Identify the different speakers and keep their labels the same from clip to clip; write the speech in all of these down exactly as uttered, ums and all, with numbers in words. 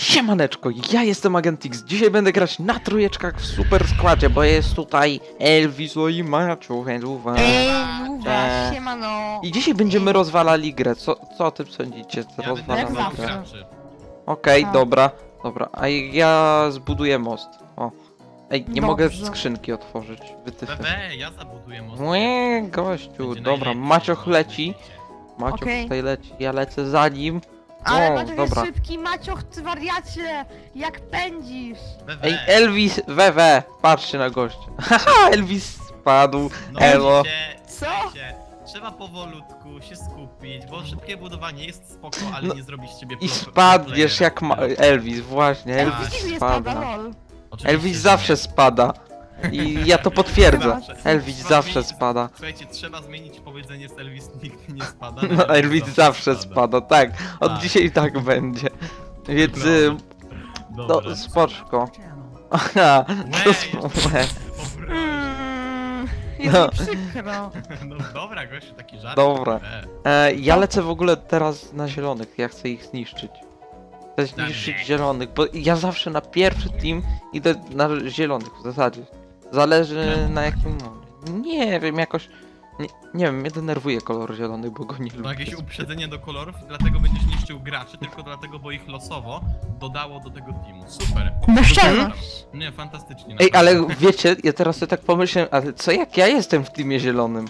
Speaker 1: Siemaneczko, ja jestem Agent X. Dzisiaj będę grać na trójeczkach w super składzie, bo jest tutaj Elvis i Maciu, Heluwa.
Speaker 2: Ej, Luwa,
Speaker 1: Eee.
Speaker 2: siemano.
Speaker 1: I dzisiaj będziemy rozwalali grę. Co, co o tym sądzicie? Co
Speaker 3: Ja będę
Speaker 1: rozwalamy
Speaker 2: jak
Speaker 3: rozwalał
Speaker 1: grę?
Speaker 2: zawsze.
Speaker 3: graczy.
Speaker 1: Okej,
Speaker 2: Tak.
Speaker 1: dobra, dobra. A ja zbuduję most. O. Ej, nie mogę
Speaker 2: Dobrze.
Speaker 1: skrzynki otworzyć. Wytyfy.
Speaker 3: Bebe, ja zabuduję most.
Speaker 1: Łe, gościu,
Speaker 3: Będzie
Speaker 1: dobra,
Speaker 3: najlepiej,
Speaker 1: Macioch
Speaker 3: no,
Speaker 1: leci.
Speaker 3: widzicie.
Speaker 1: Macioch
Speaker 2: Okej.
Speaker 1: tutaj leci, ja lecę za nim.
Speaker 2: Ale
Speaker 1: O,
Speaker 2: Maciuch
Speaker 1: dobra.
Speaker 2: jest szybki, Maciuch, ty wariacie! Jak pędzisz!
Speaker 3: Bebe,
Speaker 1: Ej, Elvis, wewe, patrzcie na gościa. Haha, Elvis spadł.
Speaker 3: no
Speaker 1: Elo.
Speaker 3: widzicie,
Speaker 2: Co?
Speaker 3: słuchajcie, trzeba powolutku się skupić, bo szybkie budowanie jest spoko, ale
Speaker 1: No,
Speaker 3: nie zrobi z ciebie
Speaker 1: I
Speaker 3: pro-
Speaker 1: spadniesz
Speaker 3: pro
Speaker 1: jak ma
Speaker 3: playera.
Speaker 1: Elvis, właśnie,
Speaker 3: Tak.
Speaker 1: Elvis
Speaker 2: Elvis nie spada,
Speaker 1: spada.
Speaker 2: lol.
Speaker 3: Oczywiście,
Speaker 1: Elvis
Speaker 3: że
Speaker 1: zawsze
Speaker 3: nie.
Speaker 1: spada. I ja to potwierdzę.
Speaker 3: Zawsze.
Speaker 1: Elvis
Speaker 3: Trzeba
Speaker 1: zawsze
Speaker 3: zmienić-
Speaker 1: spada.
Speaker 3: Słuchajcie, trzeba zmienić powiedzenie z Elvis nigdy nie spada.
Speaker 1: No Elvis zawsze spada, tak. Od
Speaker 3: Tak.
Speaker 1: dzisiaj tak będzie. Więc
Speaker 3: Dobra.
Speaker 1: y,
Speaker 3: Dobra.
Speaker 1: to spoczko. Aha, to
Speaker 3: Łe,
Speaker 1: sp-
Speaker 3: jeszcze- Dobra.
Speaker 2: Mm, jest
Speaker 1: No.
Speaker 2: mi przykro.
Speaker 3: No dobra, gościu, taki żart.
Speaker 1: Dobra.
Speaker 3: E,
Speaker 1: E, ja lecę w ogóle teraz na zielonych, ja chcę ich zniszczyć. Chcę zniszczyć
Speaker 3: Dobra.
Speaker 1: zielonych, bo ja zawsze na pierwszy team idę na zielonych w zasadzie. Zależy na jakim... No, nie wiem, jakoś... Nie, nie wiem, mnie denerwuje kolor zielony, bo go nie
Speaker 3: Ma
Speaker 1: lubię.
Speaker 3: jakieś uprzedzenie do kolorów i dlatego będziesz niszczył graczy, tylko dlatego, bo ich losowo dodało do tego teamu. Super.
Speaker 2: Bezczelność.
Speaker 3: Nie, fantastycznie.
Speaker 1: Ej, ale
Speaker 3: naprawdę.
Speaker 1: wiecie, ja teraz sobie tak pomyślałem, ale co jak ja jestem w teamie zielonym?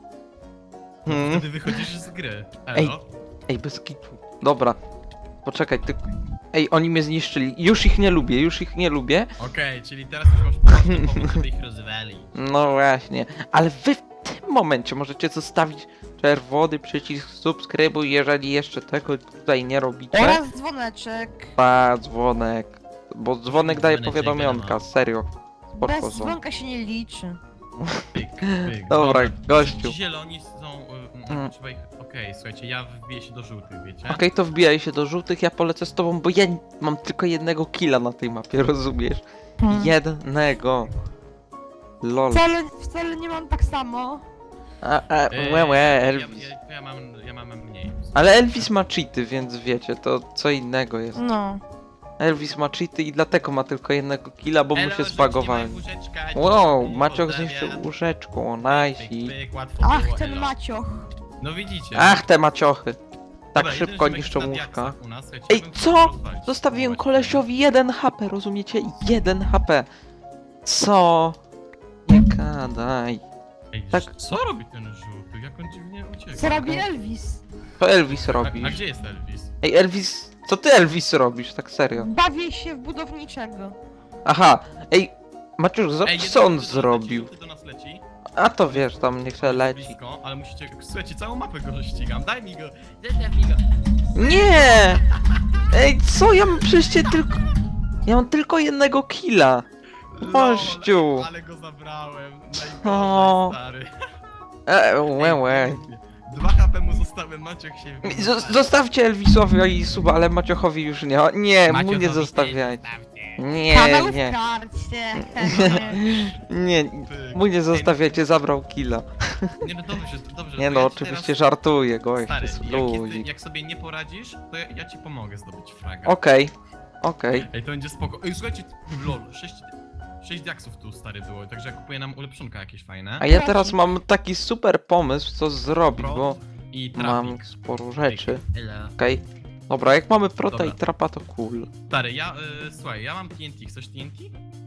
Speaker 3: No,
Speaker 1: Hmm?
Speaker 3: Wtedy wychodzisz z gry.
Speaker 1: Ej.
Speaker 3: Elo.
Speaker 1: Ej, bez kitu. Dobra. Poczekaj, ty... Ej, oni mnie zniszczyli. Już ich nie lubię, już ich nie lubię.
Speaker 3: Okej, czyli teraz już masz poważny powód, żeby ich rozwalić.
Speaker 1: No właśnie. Ale wy w tym momencie możecie zostawić czerwony przycisk subskrybuj, jeżeli jeszcze tego tutaj nie robicie.
Speaker 2: Oraz dzwoneczek.
Speaker 1: Pa, dzwonek. Bo dzwonek daje
Speaker 3: Dzwoneczek,
Speaker 1: powiadomionka,
Speaker 3: wiadomo.
Speaker 1: serio. Spoczko
Speaker 2: Bez
Speaker 1: są.
Speaker 2: dzwonka się nie liczy.
Speaker 3: Pyk, pyk.
Speaker 1: Dobra, gościu.
Speaker 3: Ci zieloni są... y,
Speaker 1: Mm.
Speaker 3: mm. Trzeba ich... Okej, słuchajcie, ja wbiję się do żółtych, wiecie?
Speaker 1: Okej, to wbijaj się do żółtych, ja polecę z tobą, bo ja mam tylko jednego killa na tej mapie, rozumiesz?
Speaker 2: Hmm.
Speaker 1: Jednego. Lol.
Speaker 2: Wcale, wcale nie mam tak samo.
Speaker 1: A, a,
Speaker 3: Ej,
Speaker 1: łe, łe,
Speaker 3: ja,
Speaker 1: Elvis.
Speaker 3: ja, ja, mam, ja mam mniej.
Speaker 1: Ale Elvis ma cheaty, więc wiecie, to co innego jest.
Speaker 2: No.
Speaker 1: Elvis ma cheaty i dlatego ma tylko jednego killa, bo mu
Speaker 3: Elo,
Speaker 1: się
Speaker 3: rzućcie
Speaker 1: zbagowałem.
Speaker 3: moje łóżeczka,
Speaker 1: Wow,
Speaker 3: dzięki,
Speaker 1: Maciok
Speaker 3: pozdrawiam.
Speaker 1: zniszczył łóżeczką,
Speaker 3: Pyk,
Speaker 1: nice.
Speaker 3: pyk, łatwo
Speaker 2: Ach,
Speaker 3: było,
Speaker 2: ten
Speaker 3: elo.
Speaker 2: Macioch.
Speaker 3: No widzicie.
Speaker 1: Ach, te maciochy. Tak
Speaker 3: Dobra,
Speaker 1: szybko
Speaker 3: jeden
Speaker 1: niszczą
Speaker 3: ziomek
Speaker 1: łóżka.
Speaker 3: na diaksach u nas, słuchajcie,
Speaker 1: Ej,
Speaker 3: ja bym
Speaker 1: co?
Speaker 3: chciał rozwalić.
Speaker 1: Zostawiłem
Speaker 3: Spróbować.
Speaker 1: kolesiowi jeden H P, rozumiecie? jeden H P. Co? Nie gadaj.
Speaker 3: Ej,
Speaker 1: tak-
Speaker 3: co robi ten żółty? Jak on dziwnie ucieka?
Speaker 2: Co robi Elvis?
Speaker 1: To Elvis
Speaker 3: A,
Speaker 1: robi.
Speaker 3: a gdzie jest Elvis?
Speaker 1: Ej, Elvis, co ty Elvis robisz, tak serio?
Speaker 2: Bawię się w budowniczego.
Speaker 1: Aha, ej, Maciusz, zobacz
Speaker 3: Ej,
Speaker 1: co
Speaker 3: jeden
Speaker 1: on
Speaker 3: żółty do nas
Speaker 1: zrobił.
Speaker 3: Leci, żółty do nas leci.
Speaker 1: A to wiesz, tam niech se leci.
Speaker 3: Blisko, ale musicie... Słuchajcie, całą mapę go ścigam. Daj mi go! Zostaw mi go!
Speaker 1: Nie! Ej, co? Ja mam przecież cię tylko... Ja mam tylko jednego killa. Gościu.
Speaker 3: Lol, ale go zabrałem.
Speaker 1: O.
Speaker 3: Najgorzej, stary.
Speaker 1: E, łe, łe.
Speaker 3: Dwa H P mu zostałem, Maciek się...
Speaker 1: Z- Zostawcie Elvisowi i suba, ale Maciochowi już nie. Nie, mu
Speaker 3: Maciochowi
Speaker 1: nie
Speaker 3: też
Speaker 1: zostawiajcie.
Speaker 3: zostawcie.
Speaker 1: Nie,
Speaker 2: Kanał w
Speaker 1: nie,
Speaker 2: karcie.
Speaker 1: nie,
Speaker 3: Pyk.
Speaker 1: mu nie zostawiajcie, zabrał killa.
Speaker 3: Nie no dobrze, dobrze.
Speaker 1: Nie
Speaker 3: to
Speaker 1: no,
Speaker 3: ja ci
Speaker 1: oczywiście
Speaker 3: teraz...
Speaker 1: żartuję, gość,
Speaker 3: Stary,
Speaker 1: jest
Speaker 3: jak, jest,
Speaker 1: ludzi.
Speaker 3: jak sobie nie poradzisz, to ja, ja ci pomogę zdobyć fraga.
Speaker 1: Okej, okej.
Speaker 3: Ej, to będzie spoko. Ej, słuchajcie, lol, sześć, sześć diaksów tu stary było, także ja kupuję nam ulepszonka jakieś fajne.
Speaker 1: A ja teraz mam taki super pomysł, co zrobić, bo
Speaker 3: I
Speaker 1: mam
Speaker 3: trafik.
Speaker 1: sporo rzeczy.
Speaker 3: Elo.
Speaker 1: Okej. Dobra, jak mamy prota
Speaker 3: Dobra.
Speaker 1: i trapa, to cool.
Speaker 3: Stary, ja, y, słuchaj, ja mam T N T, chcesz T N T?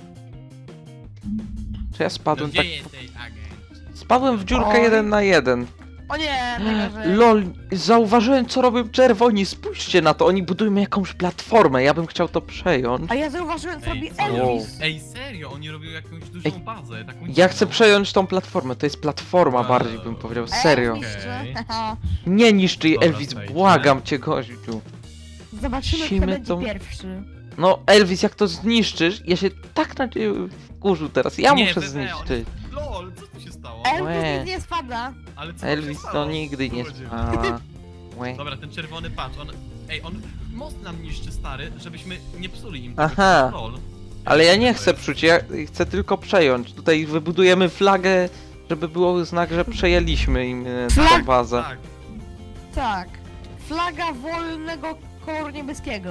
Speaker 1: Czy ja
Speaker 3: No
Speaker 1: spadłem
Speaker 3: gdzie
Speaker 1: tak...
Speaker 3: jesteś, agent?
Speaker 1: Spadłem w dziurkę
Speaker 2: Oj.
Speaker 1: jeden na jeden.
Speaker 2: O nie, najgorzej.
Speaker 1: Lol, zauważyłem co robią czerwoni, spójrzcie na to, oni budują jakąś platformę, ja bym chciał to przejąć.
Speaker 2: A ja zauważyłem, co
Speaker 3: Ej,
Speaker 2: robi
Speaker 3: co?
Speaker 2: Elvis.
Speaker 3: Ej, serio, oni robią jakąś dużą
Speaker 1: Ej,
Speaker 3: bazę, taką
Speaker 1: Ja
Speaker 3: dziwną.
Speaker 1: chcę przejąć tą platformę, to jest platforma
Speaker 3: Wow.
Speaker 1: bardziej bym powiedział, serio.
Speaker 2: Elvis,
Speaker 3: Okej.
Speaker 2: czy?
Speaker 1: Nie niszczy jej,
Speaker 3: Dobra,
Speaker 1: Elvis,
Speaker 3: słuchajcie.
Speaker 1: błagam cię gościu.
Speaker 2: Zobaczymy, kto
Speaker 1: Musimy
Speaker 2: będzie
Speaker 1: tą-
Speaker 2: pierwszy.
Speaker 1: No Elvis, jak to zniszczysz, ja się tak na ciebie wkurzył teraz, ja
Speaker 3: Nie,
Speaker 1: muszę
Speaker 3: Bebe,
Speaker 1: zniszczyć.
Speaker 3: on- Lol, co tu się stało?
Speaker 2: Elvis
Speaker 1: Łe.
Speaker 2: nigdy nie spada.
Speaker 3: Ale co tu
Speaker 1: Elvis
Speaker 3: się
Speaker 1: to
Speaker 3: stało?
Speaker 1: nigdy nie
Speaker 3: Ludzie.
Speaker 1: spala. Łe.
Speaker 3: Dobra, ten czerwony patrz, on... Ej, on most nam niszczy, stary, żebyśmy nie psuli im tego.
Speaker 1: Aha.
Speaker 3: Lol.
Speaker 1: Ale ja nie
Speaker 3: To
Speaker 1: chcę
Speaker 3: jest-
Speaker 1: psuć, ja chcę tylko przejąć. Tutaj wybudujemy flagę, żeby było znak, że przejęliśmy im e, tą
Speaker 2: Flag-
Speaker 1: bazę.
Speaker 3: Tak,
Speaker 2: Tak. Flaga wolnego koloru niebieskiego.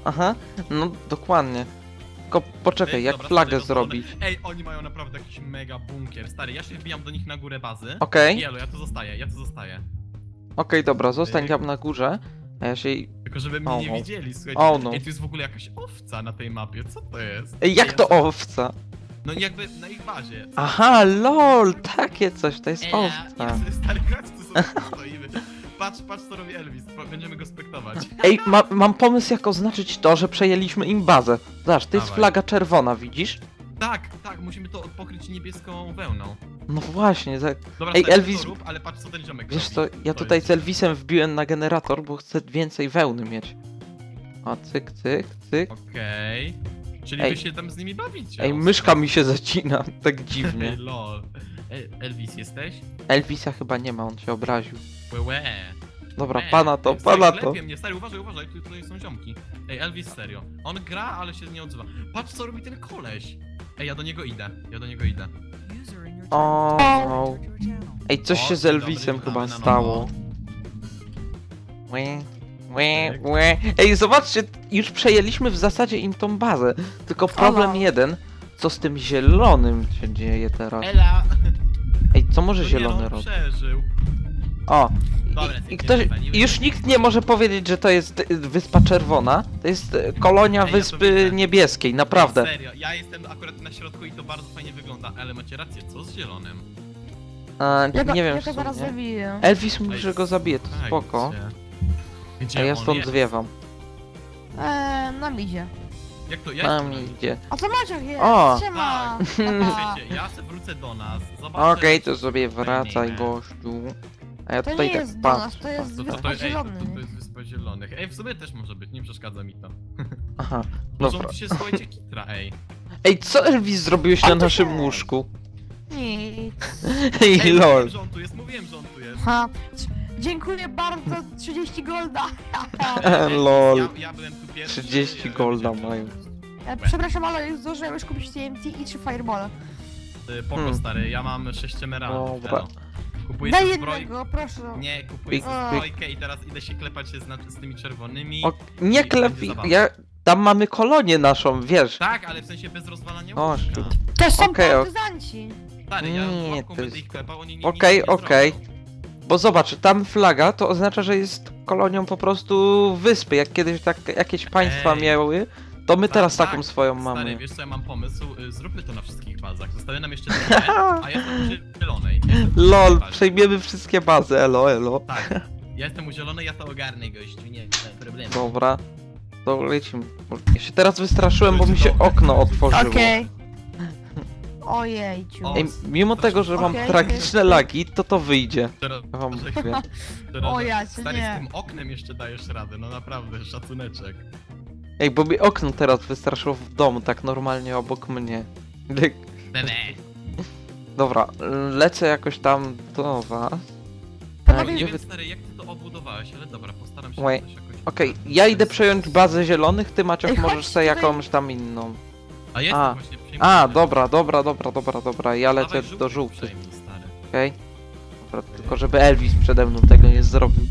Speaker 1: Aha, no dokładnie. Tylko poczekaj,
Speaker 3: Ej,
Speaker 1: jak
Speaker 3: dobra,
Speaker 1: flagę
Speaker 3: stary, rozwalone.
Speaker 1: zrobić?
Speaker 3: Ej, oni mają naprawdę jakiś mega bunkier. Stary, ja się wbijam do nich na górę bazy.
Speaker 1: Okej,
Speaker 3: Jelo, ja tu zostaję, ja tu zostaję.
Speaker 1: okej, dobra, zostań
Speaker 3: Ej.
Speaker 1: tam na górze, a ja się...
Speaker 3: Tylko żeby mnie
Speaker 1: O,
Speaker 3: nie
Speaker 1: no.
Speaker 3: widzieli, słuchajcie.
Speaker 1: O, no.
Speaker 3: Ej, tu jest w ogóle jakaś owca na tej mapie, co to jest?
Speaker 1: Ej, jak
Speaker 3: ja
Speaker 1: to
Speaker 3: sobie-
Speaker 1: owca?
Speaker 3: No jakby na ich bazie.
Speaker 1: Aha, lol, takie coś, to jest
Speaker 3: Ej,
Speaker 1: owca.
Speaker 3: ja sobie stary grać, tu sobie stoimy. Patrz, patrz co robi Elvis, po- będziemy go spektować.
Speaker 1: Ej, ma, mam pomysł jak oznaczyć to, że przejęliśmy im bazę. Zobacz, to jest
Speaker 3: Dawaj.
Speaker 1: flaga czerwona, widzisz?
Speaker 3: Tak, tak, musimy to pokryć niebieską wełną.
Speaker 1: No właśnie, tak.
Speaker 3: Dobra,
Speaker 1: Ej,
Speaker 3: stary,
Speaker 1: Elvis-
Speaker 3: to rób, ale patrz co ten ziomek
Speaker 1: Wiesz co,
Speaker 3: robi.
Speaker 1: ja
Speaker 3: To
Speaker 1: tutaj
Speaker 3: jest-
Speaker 1: z Elvisem wbiłem na generator, bo chcę więcej wełny mieć. A cyk, cyk, cyk.
Speaker 3: Okej. Czyli
Speaker 1: Ej.
Speaker 3: wy się tam z nimi bawicie.
Speaker 1: Ej,
Speaker 3: ostro.
Speaker 1: myszka mi się zacina, tak
Speaker 3: Ej,
Speaker 1: dziwnie.
Speaker 3: lol. Ej, Elvis jesteś?
Speaker 1: Elvisa chyba nie ma, on się obraził.
Speaker 3: Łe, łe.
Speaker 1: Dobra,
Speaker 3: Łe.
Speaker 1: pana to,
Speaker 3: Ej, stary,
Speaker 1: pana to.
Speaker 3: klepie mnie, stary, uważaj, uważaj, tu, tutaj są ziomki. Ej, Elvis, serio. On gra, ale się nie odzywa. Patrz co robi ten koleś. Ej, ja do niego idę, ja do niego idę.
Speaker 1: O, no. Ej, coś
Speaker 3: O,
Speaker 1: się z
Speaker 3: dzień dobry,
Speaker 1: Elvisem
Speaker 3: witamy
Speaker 1: chyba
Speaker 3: na nowo.
Speaker 1: stało. Łe, łe, łe. Ej, zobaczcie, już przejęliśmy w zasadzie im tą bazę. Tylko problem
Speaker 2: Ola.
Speaker 1: jeden, co z tym zielonym się dzieje teraz?
Speaker 3: Ela!
Speaker 1: Ej, co może
Speaker 3: No nie,
Speaker 1: zielony
Speaker 3: no,
Speaker 1: robi?
Speaker 3: przeżył.
Speaker 1: O,
Speaker 3: Dobra,
Speaker 1: i, i
Speaker 3: nie
Speaker 1: ktoś,
Speaker 3: wypaliłem.
Speaker 1: już nikt nie może powiedzieć, że to jest y, Wyspa Czerwona. To jest y, kolonia
Speaker 3: Ej, ja to
Speaker 1: Wyspy
Speaker 3: widzę.
Speaker 1: Niebieskiej, naprawdę.
Speaker 3: Serio, ja jestem akurat na środku i to bardzo fajnie wygląda, ale macie rację, co z zielonym?
Speaker 1: A,
Speaker 2: Ja go,
Speaker 1: nie wiem
Speaker 2: ja
Speaker 1: w
Speaker 2: go zaraz
Speaker 1: sumie.
Speaker 2: zabiję.
Speaker 1: Elvis mówi,
Speaker 3: Ej,
Speaker 1: że go zabije, to
Speaker 3: słuchajcie.
Speaker 1: spoko.
Speaker 3: Gdzie
Speaker 1: A ja
Speaker 3: on
Speaker 1: stąd
Speaker 3: jest?
Speaker 1: zwiewam.
Speaker 2: Eee, na midzie.
Speaker 3: Jak to, ja
Speaker 1: Na
Speaker 3: jestem
Speaker 1: mnie
Speaker 3: na-
Speaker 1: idzie.
Speaker 2: A co Maciek jest?
Speaker 1: O!
Speaker 2: Siema!
Speaker 3: Tak.
Speaker 2: Papa.
Speaker 3: Wiecie, ja se wrócę do nas, zobaczę...
Speaker 1: Okej, to sobie wracaj,
Speaker 3: Fajnie.
Speaker 1: gościu. A ja
Speaker 2: To
Speaker 1: tutaj
Speaker 2: nie
Speaker 1: tak
Speaker 2: jest do
Speaker 1: patrzę.
Speaker 2: nas, to jest
Speaker 3: To, to, to,
Speaker 2: Wyspa
Speaker 3: ej, to,
Speaker 2: Zielony.
Speaker 3: to, to jest Wyspa Zielonych. Ej, w sumie też może być, nie przeszkadza mi to.
Speaker 1: Aha,
Speaker 3: Może
Speaker 1: dobra.
Speaker 3: tu się słuchajcie kitra, ej.
Speaker 1: Ej, co Elvis zrobiłeś na
Speaker 2: to
Speaker 1: naszym
Speaker 2: jest.
Speaker 1: łóżku?
Speaker 2: Nic.
Speaker 1: Ej,
Speaker 3: Ej,
Speaker 1: lol.
Speaker 3: mówiłem, że on tu jest, mówiłem, że on tu jest.
Speaker 2: Ha. Dziękuję bardzo, trzydzieści golda.
Speaker 3: Ej,
Speaker 1: Lol.
Speaker 3: Ja, ja byłem tu pierwszy.
Speaker 1: trzydzieści
Speaker 3: ja
Speaker 1: golda
Speaker 3: wiedziałem,
Speaker 1: mają.
Speaker 3: że-
Speaker 2: E, Przepraszam, ale już zdążyłem już kupić T N T i trzy fireball.
Speaker 3: Y, Poko
Speaker 1: Hmm.
Speaker 3: stary, ja mam sześć emeraldów.
Speaker 1: Dobra.
Speaker 3: elo. Kupuję
Speaker 2: Daj
Speaker 3: sobie zbroj...
Speaker 2: jednego, proszę.
Speaker 3: Nie, kupuję
Speaker 1: Pik,
Speaker 3: sobie
Speaker 2: pik.
Speaker 3: zbrojkę i teraz idę się klepać się z, na- z tymi czerwonymi.
Speaker 1: O, nie
Speaker 3: I
Speaker 1: klep,
Speaker 3: będzie zabawa.
Speaker 1: ja... Tam mamy kolonię naszą, wiesz.
Speaker 3: Tak, ale w sensie bez rozwalania
Speaker 1: O,
Speaker 3: łóżka.
Speaker 1: shit.
Speaker 2: To są
Speaker 1: Okej, ok.
Speaker 2: partyzanci.
Speaker 3: Stary, ja
Speaker 1: Nie,
Speaker 3: łapką
Speaker 1: to
Speaker 3: będę
Speaker 1: jest-
Speaker 3: ich klepał, oni nie
Speaker 1: Okej,
Speaker 3: nic nie
Speaker 1: okej.
Speaker 3: zrobią.
Speaker 1: Bo zobacz, tam flaga to oznacza, że jest kolonią po prostu wyspy. Jak kiedyś tak jakieś państwa
Speaker 3: Ej.
Speaker 1: miały, to my
Speaker 3: Tak,
Speaker 1: teraz
Speaker 3: tak.
Speaker 1: taką swoją
Speaker 3: Stary,
Speaker 1: mamy.
Speaker 3: wiesz co, ja mam pomysł, y, zróbmy to na wszystkich bazach. Zostały nam jeszcze dwie, a ja jestem u zielonej. Ja jestem u
Speaker 1: Lol,
Speaker 3: zielonej bazie.
Speaker 1: przejmiemy wszystkie bazy, elo, elo.
Speaker 3: Tak, ja jestem u zielonej, ja to ogarnę, gościu, nie, nie problemu.
Speaker 1: Dobra, to lecimy. Ja się teraz wystraszyłem, bo mi się
Speaker 3: Dobra.
Speaker 1: okno otworzyło.
Speaker 2: Okej. Ojejciu.
Speaker 3: O,
Speaker 1: Ej, mimo tego, że mam
Speaker 2: Okej,
Speaker 1: tragiczne
Speaker 2: okej.
Speaker 1: lagi, to to wyjdzie.
Speaker 3: Teraz,
Speaker 1: Ja wam mówię.
Speaker 3: teraz,
Speaker 2: O ja cię,
Speaker 3: stary,
Speaker 2: nie.
Speaker 3: z tym oknem jeszcze dajesz radę, no naprawdę, szacuneczek.
Speaker 1: Ej, bo mi okno teraz wystraszyło w domu, tak normalnie obok mnie. Lek-
Speaker 3: Bebe.
Speaker 1: Dobra, lecę jakoś tam do was.
Speaker 2: Panowie,
Speaker 3: Nie
Speaker 1: gdzie
Speaker 3: wiem,
Speaker 1: wy-
Speaker 3: stary, jak ty to obudowałeś, ale dobra, postaram się
Speaker 1: Wait.
Speaker 3: coś jakoś...
Speaker 1: Okej, ja idę przejąć bazę zielonych, ty Maciek
Speaker 2: Ej,
Speaker 1: możesz
Speaker 2: chodź
Speaker 1: sobie
Speaker 2: tutaj.
Speaker 1: jakąś tam inną.
Speaker 3: A jestem
Speaker 1: A.
Speaker 3: właśnie przejmowany.
Speaker 1: A, dobra, dobra, dobra, dobra, dobra, ja lecę
Speaker 3: Dawaj
Speaker 1: do żółtych,
Speaker 3: przejmij, stary.
Speaker 1: okej? Dobra, tylko żeby Elvis przede mną tego nie zrobił.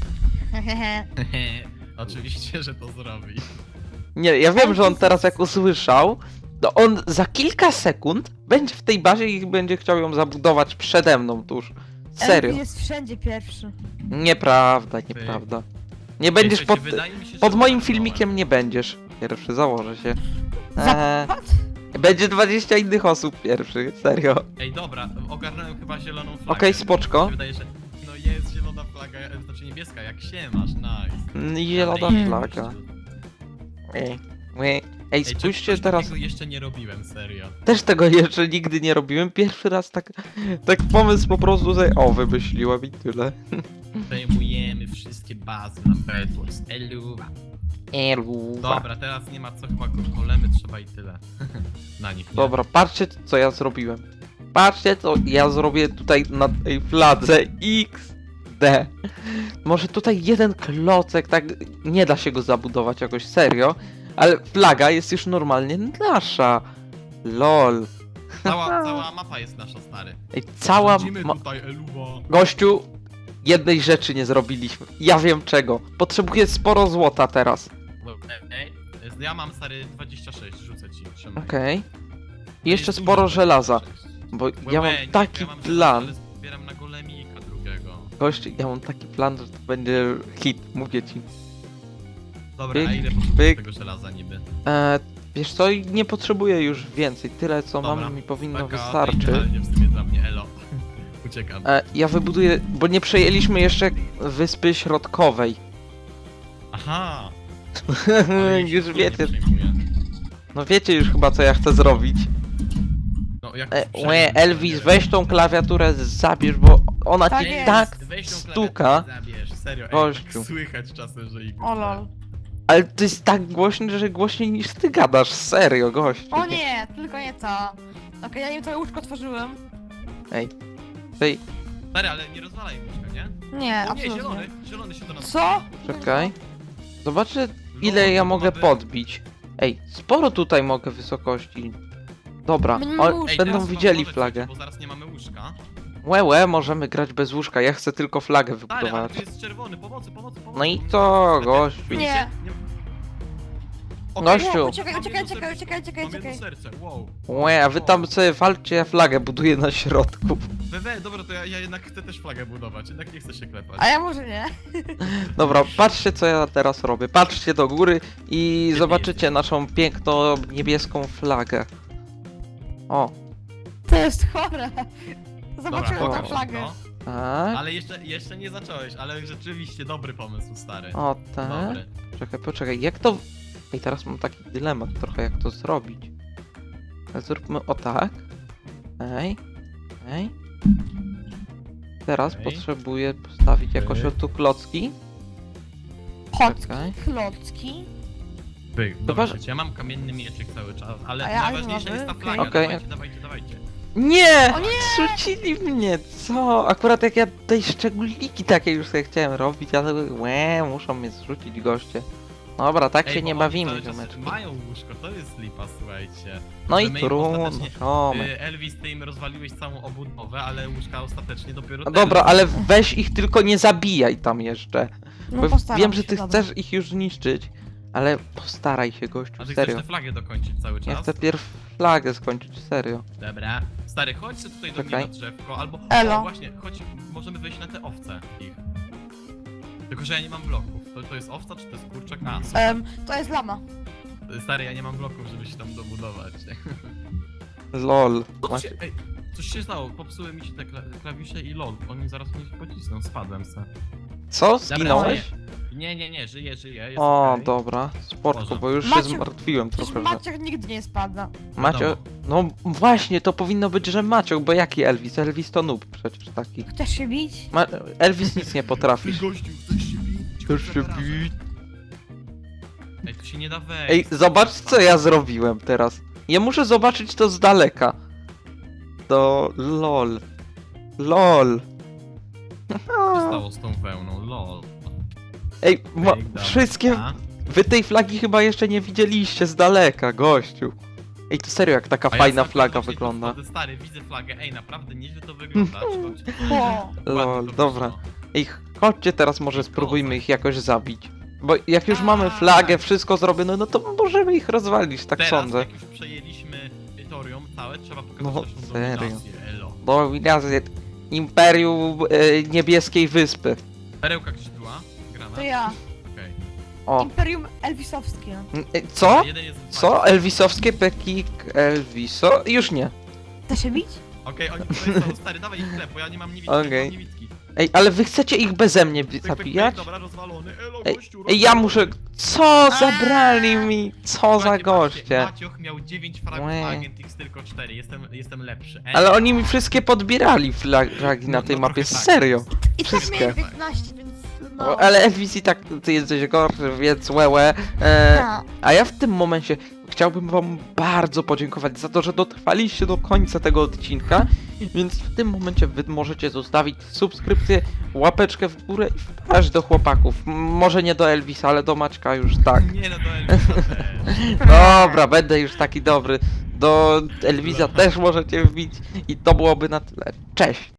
Speaker 3: Oczywiście, że to zrobi.
Speaker 1: Nie, ja wiem, że on teraz jak usłyszał, to on za kilka sekund będzie w tej bazie i będzie chciał ją zabudować przede mną tuż. Serio.
Speaker 2: Elvis jest wszędzie pierwszy.
Speaker 1: Nieprawda, nieprawda. Nie będziesz
Speaker 3: Ej,
Speaker 1: pod,
Speaker 3: słuchajcie, wydaje mi się, że
Speaker 1: pod moim
Speaker 3: ogarnąłem.
Speaker 1: filmikiem nie będziesz. Pierwszy, założę się. Eee,
Speaker 2: Zapad?
Speaker 1: będzie dwadzieścia innych osób pierwszy, serio.
Speaker 3: Ej, dobra, ogarnąłem chyba zieloną flagę.
Speaker 1: Okej, spoczko.
Speaker 3: Mi się wydaje, że... No jest zielona flaga, e, znaczy niebieska, jak się masz, nice.
Speaker 1: Mm, i Zielona
Speaker 3: Ale nie,
Speaker 1: flaga.
Speaker 3: gościu.
Speaker 1: Ej, ej, Ej,
Speaker 3: Ej,
Speaker 1: spójrzcie
Speaker 3: czegoś
Speaker 1: teraz.
Speaker 3: takiego jeszcze nie robiłem, serio.
Speaker 1: Też tego jeszcze nigdy nie robiłem. Pierwszy raz tak, tak pomysł po prostu sobie, o, wymyśliłem i tyle.
Speaker 3: Przejmujemy wszystkie bazy na Bedwars. Eluwa.
Speaker 1: Eluwa.
Speaker 3: Dobra, teraz nie ma co, chyba go- golemy trzeba i tyle. Na nich, nie?
Speaker 1: Dobra, patrzcie co ja zrobiłem. Patrzcie co ja zrobię tutaj na tej fladze X D. Może tutaj jeden klocek, tak nie da się go zabudować jakoś serio, ale flaga jest już normalnie nasza. Lol.
Speaker 3: Cała, cała mapa jest nasza, stary.
Speaker 1: Ej, cała
Speaker 3: Rządzimy
Speaker 1: ma...
Speaker 3: tutaj, Eluwa.
Speaker 1: Gościu, jednej rzeczy nie zrobiliśmy. Ja wiem czego. Potrzebuję sporo złota teraz.
Speaker 3: No, ej, ej, Ja mam stary dwadzieścia sześć, rzucę ci, trzymaj.
Speaker 1: Okej.
Speaker 3: To
Speaker 1: I jeszcze
Speaker 3: jest
Speaker 1: sporo
Speaker 3: dużo,
Speaker 1: żelaza,
Speaker 3: dwadzieścia sześć.
Speaker 1: bo
Speaker 3: Łe,
Speaker 1: ja
Speaker 3: łe,
Speaker 1: mam
Speaker 3: nie,
Speaker 1: taki
Speaker 3: ja mam
Speaker 1: plan.
Speaker 3: żelazo, ale zbieram na golemika drugiego.
Speaker 1: Gość, ja mam taki plan, że to będzie hit, mówię ci.
Speaker 3: Dobra, a
Speaker 1: Pyk,
Speaker 3: ile potrzebujesz
Speaker 1: pyk.
Speaker 3: tego żelaza niby?
Speaker 1: E, wiesz co, nie potrzebuję już więcej. Tyle co
Speaker 3: Dobra,
Speaker 1: mam mi powinno
Speaker 3: Taka,
Speaker 1: wystarczyć.
Speaker 3: idealnie w sumie dla mnie, elo. Uciekam.
Speaker 1: E, ja wybuduję, bo nie przejęliśmy jeszcze wyspy środkowej.
Speaker 3: Aha! ale jej się
Speaker 1: Już
Speaker 3: w ogóle
Speaker 1: wiecie,
Speaker 3: nie przejmuję.
Speaker 1: no wiecie już chyba co ja chcę zrobić.
Speaker 3: No, jak
Speaker 1: E,
Speaker 3: przejmę,
Speaker 1: łe,
Speaker 3: to
Speaker 1: Elvis,
Speaker 3: nie wiem.
Speaker 1: weź tą klawiaturę, zabierz, bo ona
Speaker 2: Tak
Speaker 1: ci
Speaker 2: jest.
Speaker 1: tak
Speaker 3: Weź tą
Speaker 1: stuka.
Speaker 3: klawiaturę, zabierz, serio, ej,
Speaker 1: Gościu.
Speaker 3: tak słychać czasem, że ich...
Speaker 2: O lol.
Speaker 1: Ale to jest tak głośny, że głośniej niż ty gadasz, serio, gościu.
Speaker 2: O nie, tylko nie to. Okej, ja im to łóżko tworzyłem.
Speaker 1: Ej, tej,
Speaker 3: Stary, ale nie rozwalaj mieszka, nie?
Speaker 2: Nie,
Speaker 3: O nie,
Speaker 2: absolutnie.
Speaker 3: zielony, zielony się do nas...
Speaker 2: Co?
Speaker 1: czekaj. Zobaczę
Speaker 3: Lol,
Speaker 1: ile ja
Speaker 3: to
Speaker 1: mogę
Speaker 3: mamy-
Speaker 1: podbić. Ej, sporo tutaj mogę wysokości. Dobra,
Speaker 2: My nie
Speaker 1: o,
Speaker 2: mamy łóżka.
Speaker 3: Ej,
Speaker 1: będą
Speaker 3: teraz
Speaker 1: widzieli
Speaker 3: możecie,
Speaker 1: flagę.
Speaker 3: Bo zaraz nie mamy łóżka.
Speaker 1: Łe, łe, możemy grać bez łóżka, ja chcę tylko flagę
Speaker 3: Stary, ale
Speaker 1: wybudować.
Speaker 3: tu jest czerwony, pomocy, pomocy, pomocy.
Speaker 1: No i
Speaker 3: bo mnie-
Speaker 1: to, gościu.
Speaker 2: Nie.
Speaker 3: Okej,
Speaker 1: Gościu.
Speaker 2: Nie, uciekaj,
Speaker 3: mam
Speaker 2: uciekaj,
Speaker 3: jedno
Speaker 2: uciekaj,
Speaker 3: serce,
Speaker 2: uciekaj, uciekaj,
Speaker 3: Mam jedno
Speaker 2: uciekaj.
Speaker 3: serce, wow.
Speaker 1: Łe, a wy tam sobie walczcie, ja flagę buduję na środku.
Speaker 3: Wewe, dobra, to ja, ja jednak chcę też flagę budować, jednak nie chcę się klepać.
Speaker 2: A ja może nie.
Speaker 1: Dobra, patrzcie co ja teraz robię. Patrzcie do góry i
Speaker 3: Gdzie
Speaker 1: zobaczycie
Speaker 3: jesteś?
Speaker 1: naszą piękną niebieską flagę. O,
Speaker 2: To jest chore.
Speaker 3: Dobra,
Speaker 2: Zobaczyłem
Speaker 1: pokaż
Speaker 2: tę flagę.
Speaker 3: no.
Speaker 1: tak.
Speaker 3: Ale jeszcze, jeszcze nie zacząłeś, ale rzeczywiście dobry pomysł, stary.
Speaker 1: O, tak.
Speaker 3: Dobry.
Speaker 1: Czekaj, poczekaj, jak to... Ej, teraz mam taki dylemat trochę, jak to zrobić. Zróbmy o tak. Ej, ej. Teraz
Speaker 3: Okej.
Speaker 1: potrzebuję postawić jakoś
Speaker 3: Okej.
Speaker 1: o tu klocki.
Speaker 2: Chocki,
Speaker 1: Czekaj.
Speaker 2: klocki.
Speaker 3: Byk,
Speaker 1: Chyba,
Speaker 3: dobra,
Speaker 1: że-
Speaker 3: ja mam kamienny mieczyk cały czas, ale
Speaker 2: A ja
Speaker 3: najważniejsza
Speaker 2: mamy,
Speaker 3: jest ta
Speaker 2: okej.
Speaker 3: flaga,
Speaker 1: Okej.
Speaker 3: dawajcie, dawajcie, dawajcie.
Speaker 1: Nie!
Speaker 2: O nie!
Speaker 1: Zrzucili mnie, co? Akurat jak ja tej szczególniki takie już sobie chciałem robić, ale łe, muszą mnie zrzucić goście. Dobra, tak
Speaker 3: Ej,
Speaker 1: się
Speaker 3: bo
Speaker 1: nie
Speaker 3: oni
Speaker 1: bawimy,
Speaker 3: cały czas
Speaker 1: ziomeczki.
Speaker 3: mają łóżko, to jest lipa, słuchajcie.
Speaker 1: No
Speaker 3: że
Speaker 1: i
Speaker 3: my im
Speaker 1: trudno,
Speaker 3: ostatecznie-
Speaker 1: ziomek.
Speaker 3: Y, Elvis, ty im rozwaliłeś całą obudowę, ale łóżka ostatecznie dopiero
Speaker 1: No
Speaker 3: teraz.
Speaker 1: dobra, ale weź ich tylko nie zabijaj tam jeszcze.
Speaker 2: No
Speaker 1: Bo
Speaker 2: postaram
Speaker 1: wiem, że
Speaker 2: się,
Speaker 1: ty
Speaker 2: dobra.
Speaker 1: chcesz ich już zniszczyć, ale postaraj się, gościu,
Speaker 3: A ty
Speaker 1: serio.
Speaker 3: chcesz tę flagę dokończyć cały czas?
Speaker 1: Ja chcę pierw flagę skończyć, serio.
Speaker 3: Dobra. Stary, chodź sobie tutaj do mnie
Speaker 1: Czekaj.
Speaker 3: na drzewko, albo...
Speaker 2: Elo.
Speaker 3: O, właśnie, chodź, możemy wejść na te owce ich. Tylko, że ja nie mam bloków. To, to jest owca, czy to jest kurczak? A, super.
Speaker 2: Em, to jest lama.
Speaker 3: Stary, ja nie mam bloków, żeby się tam dobudować.
Speaker 1: Lol.
Speaker 3: Co
Speaker 1: Macie...
Speaker 3: się, ej, coś się stało, popsuły mi się te kla klawisze i lol. Oni zaraz mnie pocisną, spadłem se.
Speaker 1: Co? Zginąłeś?
Speaker 3: Nie, nie, nie, żyję, żyję, jest
Speaker 1: O,
Speaker 3: okej.
Speaker 1: dobra, sportko,
Speaker 3: Boże.
Speaker 1: bo już się
Speaker 2: Maciu,
Speaker 1: zmartwiłem
Speaker 2: Przecież
Speaker 1: trochę, że...
Speaker 2: Maciek nigdy nie spada.
Speaker 1: Macio... No właśnie, to powinno być, że Maciok, bo jaki Elvis? Elvis to noob przecież taki.
Speaker 2: Chcesz się bić?
Speaker 1: Ma... Elvis nic nie potrafi.
Speaker 3: Gościu, chcesz się bić?
Speaker 1: Chcesz się bić?
Speaker 3: Ej, tu się nie da wejść.
Speaker 1: Ej, zobacz co ja zrobiłem teraz. Ja muszę zobaczyć to z daleka. To lol. Lol.
Speaker 3: Co się stało z tą wełną, lol.
Speaker 1: Ej, ma...
Speaker 3: Ej, dobra.
Speaker 1: wszystkie...
Speaker 3: A?
Speaker 1: Wy tej flagi chyba jeszcze nie widzieliście z daleka, gościu. Ej, to serio, jak taka
Speaker 3: A ja
Speaker 1: fajna
Speaker 3: ostatnio
Speaker 1: flaga
Speaker 3: właśnie tu
Speaker 1: wygląda.
Speaker 3: wchodzę, Stary, widzę flagę, ej, naprawdę nieźle to wygląda. Chodź,
Speaker 2: O.
Speaker 3: ładnie
Speaker 1: Lol,
Speaker 3: to
Speaker 1: dobra.
Speaker 3: wyszło.
Speaker 1: Ej, chodźcie teraz może
Speaker 3: Ej,
Speaker 1: spróbujmy
Speaker 3: kozak.
Speaker 1: ich jakoś zabić. Bo jak już mamy
Speaker 3: A.
Speaker 1: flagę, wszystko zrobione, no to możemy ich rozwalić, tak
Speaker 3: Teraz,
Speaker 1: sądzę.
Speaker 3: jak już przejęliśmy Torium całe, trzeba pokazać
Speaker 1: No,
Speaker 3: naszą
Speaker 1: serio.
Speaker 3: dominację, elo.
Speaker 1: Dominację Imperium e, Niebieskiej Wyspy.
Speaker 3: Perełka gdzieś była? Grana?
Speaker 2: To ja.
Speaker 3: Okej.
Speaker 1: O.
Speaker 2: Imperium Elvisowskie.
Speaker 1: E, Co?
Speaker 3: Jeden jest w
Speaker 1: Co?
Speaker 3: walce.
Speaker 1: Elvisowskie pekik Elviso? Już nie.
Speaker 2: Chcesz się bić?
Speaker 3: Okej, oni tutaj są, stary, dawaj ich chleb, bo ja nie mam niewidki,
Speaker 1: Okej.
Speaker 3: nie mam niewidki.
Speaker 1: Ej, ale wy chcecie ich beze mnie
Speaker 3: Pyk, pyk, pyk,
Speaker 1: zabijać?
Speaker 3: Dobra, rozwalony, elo,
Speaker 1: Ej,
Speaker 3: gościu,
Speaker 1: ej, ja
Speaker 3: rozwalony.
Speaker 1: muszę... Co? Zabrali mi! Co za
Speaker 3: Patrzcie,
Speaker 1: goście?
Speaker 3: patrzcie, Macioch miał dziewięć fragów,
Speaker 1: Łe.
Speaker 3: a Agent X tylko cztery, jestem, jestem lepszy. Ej,
Speaker 1: Ale oni mi wszystkie podbierali flagi na
Speaker 3: No,
Speaker 1: tej
Speaker 3: no
Speaker 1: mapie,
Speaker 3: trochę tak.
Speaker 1: serio.
Speaker 2: I tak
Speaker 1: Wszystkie.
Speaker 2: miałem piętnaście, więc no.
Speaker 1: O, ale Elvis i tak ty jesteś gorszy, więc łełe. E,
Speaker 2: No.
Speaker 1: a ja w tym momencie chciałbym wam bardzo podziękować za to, że dotrwaliście do końca tego odcinka. Więc w tym momencie wy możecie zostawić subskrypcję, łapeczkę w górę i wpaść do chłopaków. M- Może nie do Elvisa, ale do Maćka już tak.
Speaker 3: Nie no, do Elvisa też.
Speaker 1: Dobra, będę już taki dobry. Do Elvisa też możecie wbić i to byłoby na tyle. Cześć!